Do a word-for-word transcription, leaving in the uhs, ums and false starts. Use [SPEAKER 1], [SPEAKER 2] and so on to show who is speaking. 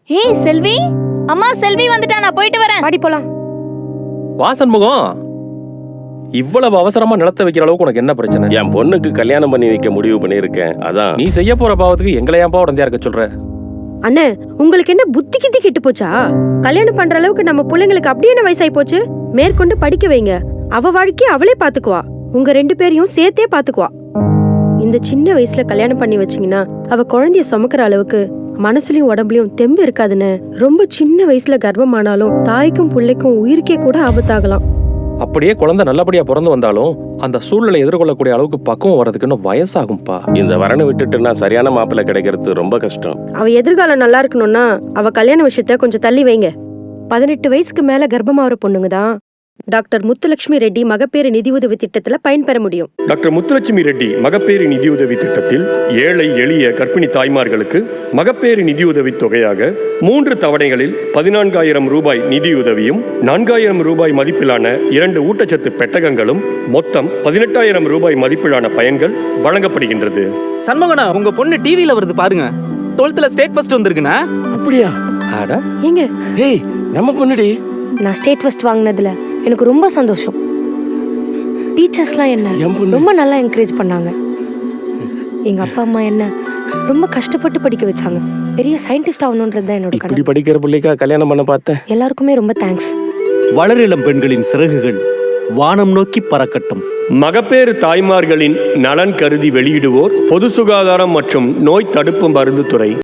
[SPEAKER 1] ஏய் செல்வி, அம்மா செல்வி வந்துட்டா, நான் போயிட்டு வரேன்.
[SPEAKER 2] பாடி போலாம்.
[SPEAKER 3] வாசன்முகம், இவ்வளவு அவசரமா நிலத்த வைக்கிற அளவுக்கு உனக்கு என்ன பிரச்சனை?
[SPEAKER 4] என் பொண்ணுக்கு கல்யாணம் பண்ணி வைக்க முடிவு பண்ணியிருக்கேன். அதான்.
[SPEAKER 3] நீ செய்ய போற பாவத்துக்கு எங்களை ஏன்பா உடந்தையா இருக்க சொல்ற?
[SPEAKER 2] அண்ணே, உங்களுக்கு என்ன புத்தி கித்தி கெட்டு போச்சா? கல்யாணம் பண்ற அளவுக்கு நம்ம பிள்ளைங்களுக்கு அப்படியே என்ன வயசாயி போச்சு? மேற்கொண்டு படிக்க வைங்க. அவ வாழ்க்கைய அவளே பாத்துக்குவா. உங்க ரெண்டு பேரையும் சேர்த்தே பாத்துக்குவா. இந்த சின்ன வயசுல கல்யாணம் பண்ணி வச்சீங்கன்னா அவ குழந்தைய சுமக்கிற அளவுக்கு மனசுலயும் உடம்புலயும் தெம்பு இருக்காதுன்னு. ரொம்ப சின்ன வயசுல கர்ப்பமானாலும் தாய்க்கும் பிள்ளைக்கும் உயிருக்கே கூட ஆபத்தாகலாம்.
[SPEAKER 3] அப்படியே குழந்தை நல்லபடியா பிறந்து வந்தாலும் அந்த சூழ்நிலை எதிர்கொள்ளக்கூடிய அளவுக்கு பக்குவம் வர்றதுக்கு இன்னும் வயசாகும்பா.
[SPEAKER 4] இந்த வரனை விட்டுட்டுனா சரியான மாப்பிள்ளை கிடைக்கிறது ரொம்ப கஷ்டம்.
[SPEAKER 2] அவ எதிர்காலம் நல்லா இருக்கணும்னா அவ கல்யாண விஷயத்த கொஞ்சம் தள்ளி வைங்க. பதினெட்டு வயசுக்கு மேல கர்ப்பமாகிற பொண்ணுங்க தான் டாக்டர் முத்துலட்சுமி ரெட்டி மகப்பேறு நிதியுதவி திட்டத்துல பயன்பெற முடியும்.
[SPEAKER 5] டாக்டர் முத்துலட்சுமி ரெட்டி மகப்பேறு நிதியுதவி திட்டத்தில் ஏழை எளிய கர்ப்பிணி தாய்மார்களுக்கு மகப்பேறு நிதியுதவி தொகையாக மூன்று தவணைகளில் பதினான்காயிரம் ரூபாய் நிதியுதவியும் நான்காயிரம் ரூபாய் மதிப்பிலான இரண்டு ஊட்டச்சத்து பெட்டகங்களும் மொத்தம் பதினெட்டாயிரம் ரூபாய் மதிப்பிலான பயன்கள் வழங்கப்படுகின்றது.
[SPEAKER 6] சண்முகனா, உங்க பொண்ணு டிவில வருது பாருங்க. டுவெல்த்ல ஸ்டேட் ஃபர்ஸ்ட் வந்திருக்குண்ணா.
[SPEAKER 4] அப்படியா?
[SPEAKER 3] ஆடா,
[SPEAKER 2] ஏங்க,
[SPEAKER 4] ஏய், நம்ம பொண்ணுடி.
[SPEAKER 2] நான் ஸ்டேட் ஃபர்ஸ்ட் வாங்கினதுல எனக்கு ரொம்ப சந்தோஷம். டீச்சர்ஸ்லாம் என்ன ரொம்ப நல்லா என்கரேஜ் பண்ணாங்க. எங்க அப்பா அம்மா என்ன ரொம்ப கஷ்டப்பட்டு படிக்க வச்சாங்க. பெரிய சயின்டிஸ்ட் ஆகணும்ன்றது தான் என்னோட
[SPEAKER 4] இப்படி
[SPEAKER 2] கனவு.
[SPEAKER 4] படிக்கிற பிள்ளைக்கா கல்யாணம் பண்ண பார்த்தேன்.
[SPEAKER 2] எல்லாருக்குமே ரொம்ப தேங்க்ஸ்.
[SPEAKER 6] வளரிளம் பெண்களின் சிறகுகள் வானம் நோக்கி பறக்கட்டும்.
[SPEAKER 5] மகப்பேறு தாய்மார்களின் நலன் கருதி வெளியிடுவோர் பொது சுகாதாரம் மற்றும் நோய் தடுப்பு மருந்து துறை.